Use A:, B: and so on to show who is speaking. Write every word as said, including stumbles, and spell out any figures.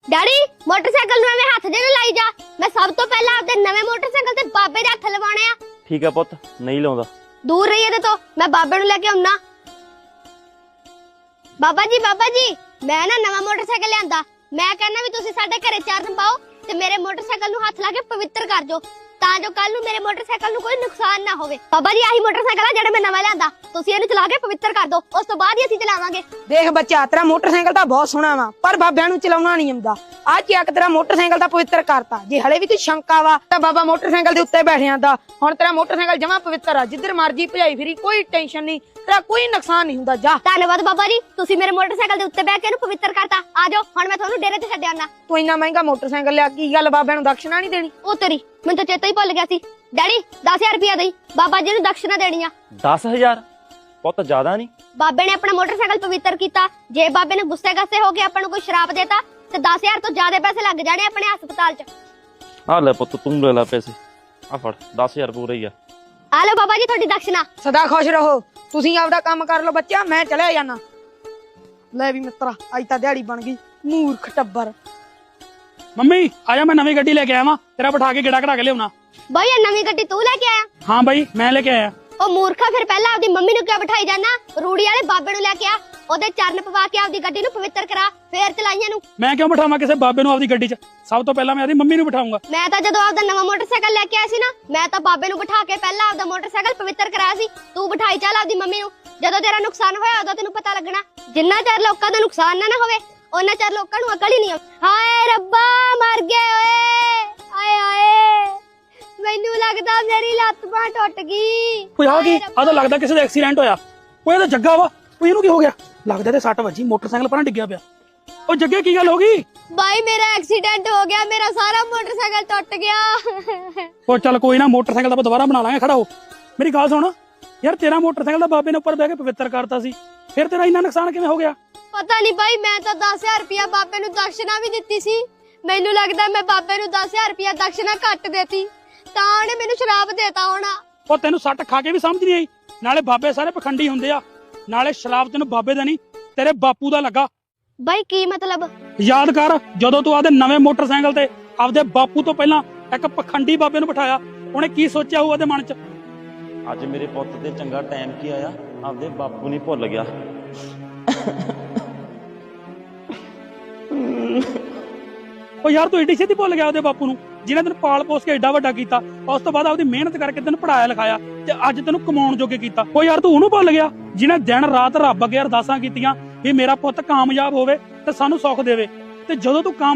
A: Daddy motorcycle ਨੂੰ ਐਵੇਂ ਹੱਥ ਜਿਹੇ ਲਾਈ ਜਾ। ਮੈਂ ਸਭ ਤੋਂ ਪਹਿਲਾਂ ਆਪਦੇ ਨਵੇਂ ਮੋਟਰਸਾਈਕਲ ਤੇ ਬਾਬੇ ਦੇ ਹੱਥ ਲਵਾਉਣੇ ਆ।
B: ਠੀਕ ਆ ਪੁੱਤ, ਨਹੀਂ ਲਾਉਂਦਾ।
A: ਦੂਰ ਰਹੀ ਇਹਦੇ ਤੋਂ, ਮੈਂ ਬਾਬੇ ਨੂੰ ਲੈ ਕੇ ਆਉਣਾ। ਬਾਬਾ ਜੀ ਬਾਬਾ ਜੀ, ਮੈਂ ਨਾ ਨਵਾਂ ਮੋਟਰਸਾਈਕਲ ਲਿਆਂਦਾ। ਮੈਂ ਕਹਿੰਦਾ ਵੀ ਤੁਸੀਂ ਸਾਡੇ ਘਰੇ ਚਰਨ ਪਾਓ ਤੇ ਮੇਰੇ ਮੋਟਰਸਾਈਕਲ ਨੂੰ ਹੱਥ ਲਾ ਕੇ ਪਵਿੱਤਰ ਕਰ ਦਿਓ, ਤਾਂ ਜੋ ਕੱਲ ਨੂੰ ਮੇਰੇ ਮੋਟਰਸਾਈਕਲ ਨੂੰ ਕੋਈ ਨੁਕਸਾਨ ਨਾ ਹੋਵੇ। ਬਾਬਾ ਜੀ ਆਹੀ ਮੋਟਰਸਾਈਕਲ ਆ ਜਿਹੜਾ ਮੈਂ ਨਵਾਂ ਲਿਆਂਦਾ, ਤੁਸੀਂ ਇਹਨੂੰ ਚਲਾ ਕੇ ਪਵਿੱਤਰ ਕਰ ਦਿਓ, ਉਸ ਤੋਂ ਬਾਅਦ ਹੀ ਅਸੀਂ ਚਲਾਵਾਂਗੇ।
C: ਦੇਖ ਬੱਚਾ, ਤੇਰਾ ਮੋਟਰਸਾਈਕਲ ਤਾਂ ਬਹੁਤ ਸੋਹਣਾ ਵਾ, ਪਰ ਬਾਬਿਆਂ ਨੂੰ ਚਲਾਉਣਾ ਨਹੀਂ ਆਉਂਦਾ। ਆ ਚੱਕ ਤੇਰਾ ਮੋਟਰਸਾਈਕਲ ਤਾਂ ਪਵਿੱਤਰ ਕਰਤਾ। ਜੇ ਹਲੇ ਵੀ ਤੂੰ ਸ਼ੰਕਾ ਵਾ ਤਾਂ ਬਾਬਾ ਮੋਟਰਸਾਈਕਲ ਦੇ ਉੱਤੇ ਬੈਠ ਜਾਂਦਾ। ਹੁਣ ਤੇਰਾ ਮੋਟਰਸਾਈਕਲ ਜਮਾ ਪਵਿੱਤਰ ਆ, ਜਿੱਧਰ ਮਰਜੀ ਭਜਾਈ ਫਿਰੀ, ਕੋਈ ਟੈਨਸ਼ਨ ਨਹੀਂ, ਤੇਰਾ ਕੋਈ ਨੁਕਸਾਨ ਨਹੀਂ ਹੁੰਦਾ। ਜਾ।
A: ਧੰਨਵਾਦ ਬਾਬਾ ਜੀ, ਤੁਸੀਂ ਮੇਰੇ ਮੋਟਰਸਾਈਕਲ ਦੇ ਉੱਤੇ ਬੈਠ ਕੇ ਇਹਨੂੰ ਪਵਿੱਤਰ ਕਰਤਾ। ਆ ਜਾਓ, ਹੁਣ ਮੈਂ ਤੁਹਾਨੂੰ ਡੇਰੇ ਤੇ ਛੱਡ ਆਉਣਾ।
C: ਤੂੰ ਇੰਨਾ ਮਹਿੰਗਾ ਮੋਟਰਸਾਈਕਲ ਲਿਆ, ਕੀ ਗੱਲ ਬਾਬਿਆਂ ਨੂੰ ਦਕਸ਼ਨਾ ਨਹੀਂ ਦੇਣੀ?
A: ਉਹ ਤੇਰੀ, ਮੈਨੂੰ ਤਾਂ ਚੇਤਾ ਹੀ ਭੁੱਲ ਗਿਆ ਸੀ। ਡੈਡੀ ਦਸ ਹਜ਼ਾਰ ਰੁਪਇਆ ਦੇਈ, ਬਾਬਾ ਜੀ ਨੂੰ ਦਕਸ਼ਨਾ ਦੇਣੀ ਆ।
B: ਦਸ ਹਜ਼ਾਰ ਪੁੱਤ ਜ਼ਿਆਦਾ ਨਹੀਂ।
A: ਬਾਬੇ ਨੇ ਆਪਣਾ ਮੋਟਰਸਾਈਕਲ ਪਵਿੱਤਰ ਕੀਤਾ। ਜੇ ਬਾਬੇ ਨੇ ਗੁੱਸੇ ਗੱਸੇ ਹੋ ਕੇ ਆਪਾਂ ਨੂੰ ਕੋਈ ਸ਼ਰਾਪ ਦੇਤਾ ਤੇ ਦਸ ਹਜ਼ਾਰ ਤੋਂ ਜ਼ਿਆਦਾ ਪੈਸੇ ਲੱਗ ਜਾਣੇ ਆਪਣੇ ਹਸਪਤਾਲ 'ਚ।
B: ਆ ਲੈ ਪੁੱਤ, ਤੂੰ ਲੈ ਲੈ ਪੈਸੇ, ਆ ਫੜ, ਦਸ ਹਜ਼ਾਰ ਪੂਰੇ ਹੀ ਆ।
A: ਆ ਲਓ ਬਾਬਾ ਜੀ ਤੁਹਾਡੀ ਦਕਸ਼ਨਾ।
C: ਸਦਾ ਖੁਸ਼ ਰਹੋ। ਤੁਸੀਂ ਆਪਦਾ ਕੰਮ ਕਰ ਲਓ ਬੱਚਾ, ਮੈਂ ਚਲਿਆ ਜਾਣਾ। ਲੈ ਵੀ ਮਿੱਤਰਾ, ਅੱਜ ਤਾਂ ਦਿਹਾੜੀ ਬਣ ਗਈ। ਮੂਰਖ ਟੱਬਰ।
D: ਮੰਮੀ ਆਜਾ, ਮੈਂ ਨਵੀਂ ਗੱਡੀ ਲੈ ਕੇ ਆਇਆ ਵਾਂ, ਤੇਰਾ ਬਿਠਾ ਕੇ ਗੇੜਾ ਕਢਾ ਕੇ ਲਿਆਉਣਾ।
A: ਬਈ ਇਹ ਨਵੀਂ ਗੱਡੀ ਤੂੰ ਲੈ ਕੇ ਆਇਆ?
D: ਹਾਂ ਬਾਈ, ਮੈਂ ਲੈ ਕੇ ਆਇਆ।
A: ਉਹ ਮੂਰਖਾ, ਫਿਰ ਪਹਿਲਾਂ ਆਪਦੀ ਮੰਮੀ ਨੂੰ ਕਿਉਂ ਬਿਠਾਈ ਜਾਣਾ? ਰੂੜੀ ਵਾਲੇ ਬਾਬੇ ਨੂੰ ਲੈ ਕੇ ਆ, ਉਹਦੇ ਚਰਨ ਪਵਾ ਕੇ ਆਪਦੀ ਗੱਡੀ ਨੂੰ ਪਵਿੱਤਰ ਕਰਾ, ਫੇਰ ਚਲਾਈਆਂ ਨੂੰ।
D: ਮੈਂ ਕਿਉਂ ਬਿਠਾਵਾਂ ਕਿਸੇ ਬਾਬੇ ਨੂੰ ਆਪਦੀ ਗੱਡੀ 'ਚ? ਸਭ ਤੋਂ ਪਹਿਲਾਂ ਮੈਂ ਆਪਦੀ ਮੰਮੀ ਨੂੰ ਬਿਠਾਉਂਗਾ।
A: ਮੈਂ ਤਾਂ ਜਦੋਂ ਆਪਦਾ ਨਵਾਂ ਮੋਟਰਸਾਈਕਲ ਲੈ ਕੇ ਆਇਆ ਸੀ ਨਾ, ਮੈਂ ਤਾਂ ਬਾਬੇ ਨੂੰ ਬਿਠਾ ਕੇ ਪਹਿਲਾਂ ਆਪਦਾ ਮੋਟਰਸਾਈਕਲ ਪਵਿੱਤਰ ਕਰਾਇਆ ਸੀ। ਤੂੰ ਬਿਠਾਈ ਚੱਲ ਆਪਦੀ ਮੰਮੀ ਨੂੰ। ਜਦੋਂ ਤੇਰਾ ਨੁਕਸਾਨ ਹੋਇਆ ਉਦੋਂ ਤੈਨੂੰ ਪਤਾ ਲੱਗਣਾ। ਜਿੰਨਾ ਚਿਰ ਲੋਕਾਂ ਦਾ ਨੁਕਸਾਨ ਨਾ ਨਾ ਹੋਵੇ, ਉਹਨਾਂ ਚਿਰ ਲੋਕਾਂ ਨੂੰ ਅਕਲ ਹੀ ਨਹੀਂ ਆਉਂਦੀ। ਹਾਏ ਰੱਬਾ, ਮਰ ਗਏ ਓਏ, ਹਾਏ ਹਾਏ, ਮੈਨੂੰ ਲੱਗਦਾ ਮੇਰੀ ਲੱਤ ਬਾਂਹ ਟੁੱਟ ਗਈ।
D: ਓਏ ਆ ਕੀ? ਆ ਤਾਂ ਲੱਗਦਾ ਕਿਸੇ ਦਾ ਐਕਸੀਡੈਂਟ ਹੋਇਆ। ਓਏ ਇਹ ਤਾਂ ਜੱਗਾ ਵਾ। ਓਏ ਇਹਨੂੰ ਕੀ ਹੋ ਗਿਆ? ਲੱਗਦਾ ਤੇ ਸੱਟ ਵੱਜੀ, ਮੋਟਰਸਾਈਕਲ ਪਰਾਂ ਡਿੱਗਿਆ ਪਿਆ। ਓ ਜੱਗੇ, ਕੀ ਗੱਲ ਹੋ ਗਈ?
A: ਬਾਈ ਮੇਰਾ ਐਕਸੀਡੈਂਟ ਹੋ ਗਿਆ, ਮੇਰਾ ਸਾਰਾ ਮੋਟਰਸਾਈਕਲ ਟੁੱਟ ਗਿਆ।
D: ਓ ਚੱਲ ਕੋਈ ਨਾ, ਮੋਟਰਸਾਈਕਲ ਤਾਂ ਆਪਾਂ ਦੁਬਾਰਾ ਬਣਾ ਲਾਂਗੇ। ਖੜਾ ਹੋ, ਮੇਰੀ ਗੱਲ ਸੁਣ ਯਾਰ, ਤੇਰਾ ਮੋਟਰਸਾਈਕਲ ਦਾ ਬਾਬੇ ਨੇ ਉੱਪਰ ਬਹਿ ਕੇ ਪਵਿੱਤਰ ਕਰਤਾ ਸੀ, ਫਿਰ ਤੇਰਾ ਇੰਨਾ ਨੁਕਸਾਨ ਕਿਵੇਂ ਹੋ ਗਿਆ?
A: ਪਤਾ ਨਹੀਂ ਬਾਈ, ਮੈਂ ਤਾਂ ਦਸ ਹਜ਼ਾਰ ਰੁਪਇਆ ਬਾਬੇ ਨੂੰ ਦਕਸ਼ਨਾ ਵੀ ਦਿੱਤੀ ਸੀ। ਮੈਨੂੰ ਲੱਗਦਾ ਮੈਂ ਬਾਬੇ ਨੂੰ ਦਸ ਹਜ਼ਾਰ ਰੁਪਇਆ ਦਕਸ਼ਨਾ ਘੱਟ ਦੇਤੀ, ਤਾਂ ਉਹਨੇ ਮੈਨੂੰ ਸ਼ਰਾਪ ਦੇਤਾ ਹੋਣਾ।
D: ਉਹ ਤੈਨੂੰ ਸੱਟ ਖਾ ਕੇ ਵੀ ਸਮਝ ਨਹੀਂ ਆਈ? ਨਾਲੇ ਬਾਬੇ ਸਾਰੇ ਪਖੰਡੀ ਹੁੰਦੇ ਆ, ਨਾਲੇ ਸ਼ਰਾਬ ਤੈਨੂੰ ਬਾਬੇ ਦਾ ਨਹੀਂ, ਤੇਰੇ ਬਾਪੂ ਦਾ ਲੱਗਾ।
A: ਬਾਈ ਕੀ ਮਤਲਬ?
D: ਯਾਦ ਕਰ, ਜਦੋਂ ਤੂੰ ਆਪਦੇ ਨਵੇਂ ਮੋਟਰਸਾਈਕਲ ਤੇ ਆਪਦੇ ਬਾਪੂ ਤੋਂ ਪਹਿਲਾਂ ਇੱਕ ਪਖੰਡੀ ਬਾਬੇ ਨੂੰ ਬਿਠਾਇਆ, ਉਹਨੇ ਕੀ ਸੋਚਿਆ ਹੋਊ ਉਹਦੇ ਮਨ 'ਚ?
B: ਅੱਜ ਮੇਰੇ ਪੁੱਤ ਤੇ ਚੰਗਾ ਟਾਈਮ ਕੀ ਆਇਆ, ਆਪਦੇ ਬਾਪੂ ਨਹੀਂ ਭੁੱਲ ਗਿਆ।
D: ਉਹ ਯਾਰ ਤੂੰ ਏਡੀ ਛੇਤੀ ਭੁੱਲ ਗਿਆ ਉਹਦੇ ਬਾਪੂ ਨੂੰ, ਜਿਹਨੇ ਤੈਨੂੰ ਪਾਲ ਪੋਸ ਕੇ ਏਡਾ ਵੱਡਾ ਕੀਤਾ, ਉਸ ਤੋਂ ਬਾਅਦ ਆਪਦੀ ਮਿਹਨਤ ਕਰਕੇ ਤੈਨੂੰ ਪੜਾਇਆ ਲਿਖਾਇਆ ਤੇ ਅੱਜ ਤੈਨੂੰ ਕਮਾਉਣ ਜੋਗੇ ਕੀਤਾ। ਉਹ ਯਾਰ ਤੂੰ ਉਹਨੂੰ ਭੁੱਲ ਗਿਆ ਜਿਹਨੇ ਦਿਨ ਰਾਤ ਰੱਬ ਅੱਗੇ ਅਰਦਾਸਾਂ ਕੀਤੀਆਂ ਵੀ ਮੇਰਾ ਪੁੱਤ ਕਾਮਯਾਬ ਹੋਵੇ ਤੇ ਸਾਨੂੰ ਸੁੱਖ ਦੇਵੇ, ਤੇ ਜਦੋਂ ਤੂੰ ਕਾਮ